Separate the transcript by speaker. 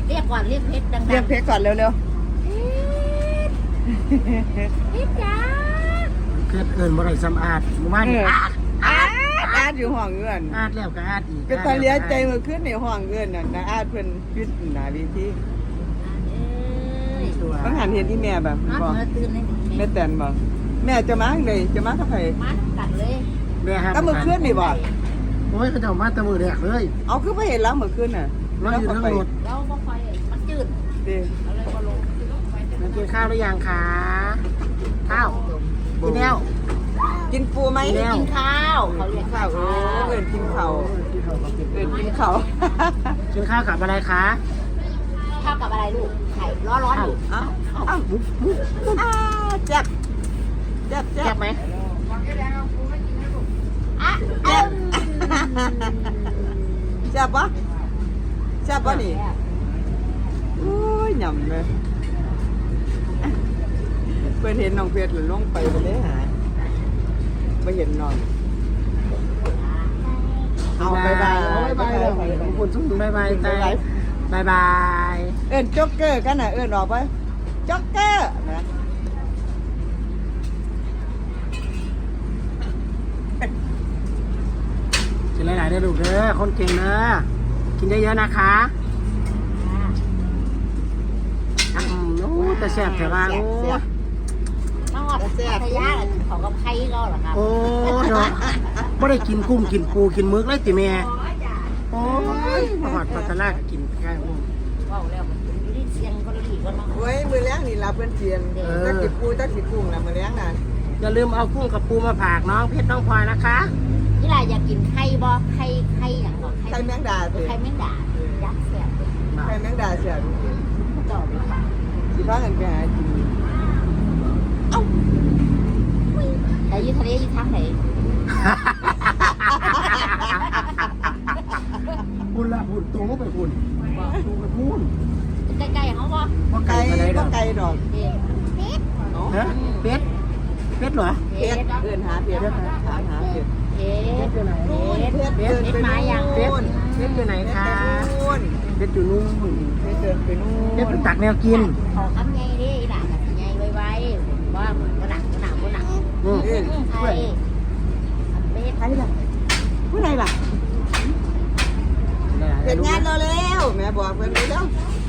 Speaker 1: เรียกก่อนเรียกเพชรดังๆ
Speaker 2: เรียกเพชรก่อนเร็ว
Speaker 1: เพชรจ้า
Speaker 3: เพชรเกินบ่ได้สำอาดหมู่บ้าน
Speaker 2: อาดอยู่ห้องเงื่อน
Speaker 3: อาดแล้วก็อาดอีก
Speaker 2: เป็นตาเลี้ยใจมือขึ้นในห้องเงื่อนน่ะนะอาดเพิ่นพิษหนาวิธีต้องหันเห็นที่แม่แบบ
Speaker 1: มา
Speaker 2: บอก
Speaker 1: เมื่อตื่นเลย
Speaker 2: แม่แตนบอกแม่จะมาเลยจะมากับไผ
Speaker 1: มากัดเลย
Speaker 3: แม่ครับ
Speaker 2: ก็มือขึ้นนี่บอก
Speaker 3: โอ้ยเขาเจ้ามาแตะมือแรกเลย
Speaker 2: เอาคือไปเห็นแล้วมือขึ้นน่ะ
Speaker 3: เราอยู่ทั้งรถ
Speaker 1: แล้วก็ไฟมันจืด
Speaker 2: ดิ
Speaker 1: อะไรก็ลง
Speaker 3: มันกินข้าวหรือยังคะข้าวกินแล้ว
Speaker 2: กินปูไหม
Speaker 3: กินแล้ว
Speaker 1: กินข้าวเขาเรียก
Speaker 2: ข้าวโอ้เอินกินข้าวเอินกินข้าว
Speaker 3: กินข้าวกับอะไรคะ
Speaker 1: ข้าวกับอะไรลูกไข่ร้อนๆอยู่
Speaker 2: อ้าวอ้าวแจ๊บแจ๊บแจ๊
Speaker 3: แซ่
Speaker 2: บบ
Speaker 3: ไหม
Speaker 1: อ่ะ
Speaker 2: แจ๊บแจ๊บปะแจ๊บปะนี่โอ้ยหยำเลยเพื่อนเห็นน้องเพชรหรือลงไปเลยหาไม่เห็นนอนเอาบายบาย
Speaker 3: บายบายขอบคุณทุกคนบายบายใจบายบาย
Speaker 2: เอินจ็อกเกอร์กันน่ะเอินออกไปจ็อกเกอร์นะ
Speaker 3: กินหลายๆเด้อลูกเด้อคนเก่งเด้อกินเยอะๆนะคะโอ้แต่แซ่บแต่ว่าโอ้
Speaker 1: น้องอดพัทยาเขากับไข่ก็เหรอครับ
Speaker 3: โอ้เนาะไม่ได้กินกุ้งกินปูกินมึกเลยติแม่โอ้ยมาหอดปลาตะลากกินแค่กุ้ง
Speaker 1: ว้าวแล้วมันอยู่ที่เสียงก็ดีก็เนาะ
Speaker 2: เว้ยมือเลี้ยงนี่รับเพื่อนเทียนตักจิปูตักจิกุ้งนะมือเลี้ยงน่ะ
Speaker 3: อย่าลืมเอากุ้งกับปูมาฝากน้องเพชรน้องพลอยนะคะ
Speaker 1: นี่แหละอยากกินไข่บ่ไข่อย่างหรอ
Speaker 2: ไข่แมงดาสิ
Speaker 1: ไข่แมงดายักษ์เสียบ
Speaker 2: ไข่แมงดาเสีย
Speaker 1: ต่อไปค่ะ
Speaker 2: สิพากันไปหากิน
Speaker 1: แต่อยู่ทะเลอยู่ทางไหน
Speaker 3: คุณละคุณตรงก็ไปคุณตรงไปพูน
Speaker 1: ใกล้ๆเขาบ่
Speaker 3: ว่า
Speaker 2: ไก่
Speaker 3: ไก่อะไร
Speaker 2: ก็
Speaker 3: เนาะ
Speaker 2: ไก่ดอก
Speaker 1: เด็ด
Speaker 3: ฮะเป็ดเป็ดเหรอ
Speaker 2: เพ็ดเอินหาเพ็ดหาเพ็ด
Speaker 1: เด็ด
Speaker 3: เป็ดอยู่ไหน
Speaker 1: เด็ด
Speaker 2: เพ็ดเดินไปนู่น
Speaker 3: เป็ดเป็ดอยู่ไหนคะเป็ดอยู่นู่น
Speaker 2: เพ็ดเดินไปนู่น
Speaker 3: เป็ดไปตักแนวกิน
Speaker 1: ขอคำไงดิด่าแบบไงไวๆว่ามันหนัก
Speaker 3: อืม
Speaker 1: ไข่เป็ด
Speaker 2: ใครล่ะผู้ใดล่ะเพ็ดงานเราแล้วแม่บอกเพิ่นไปแล้ว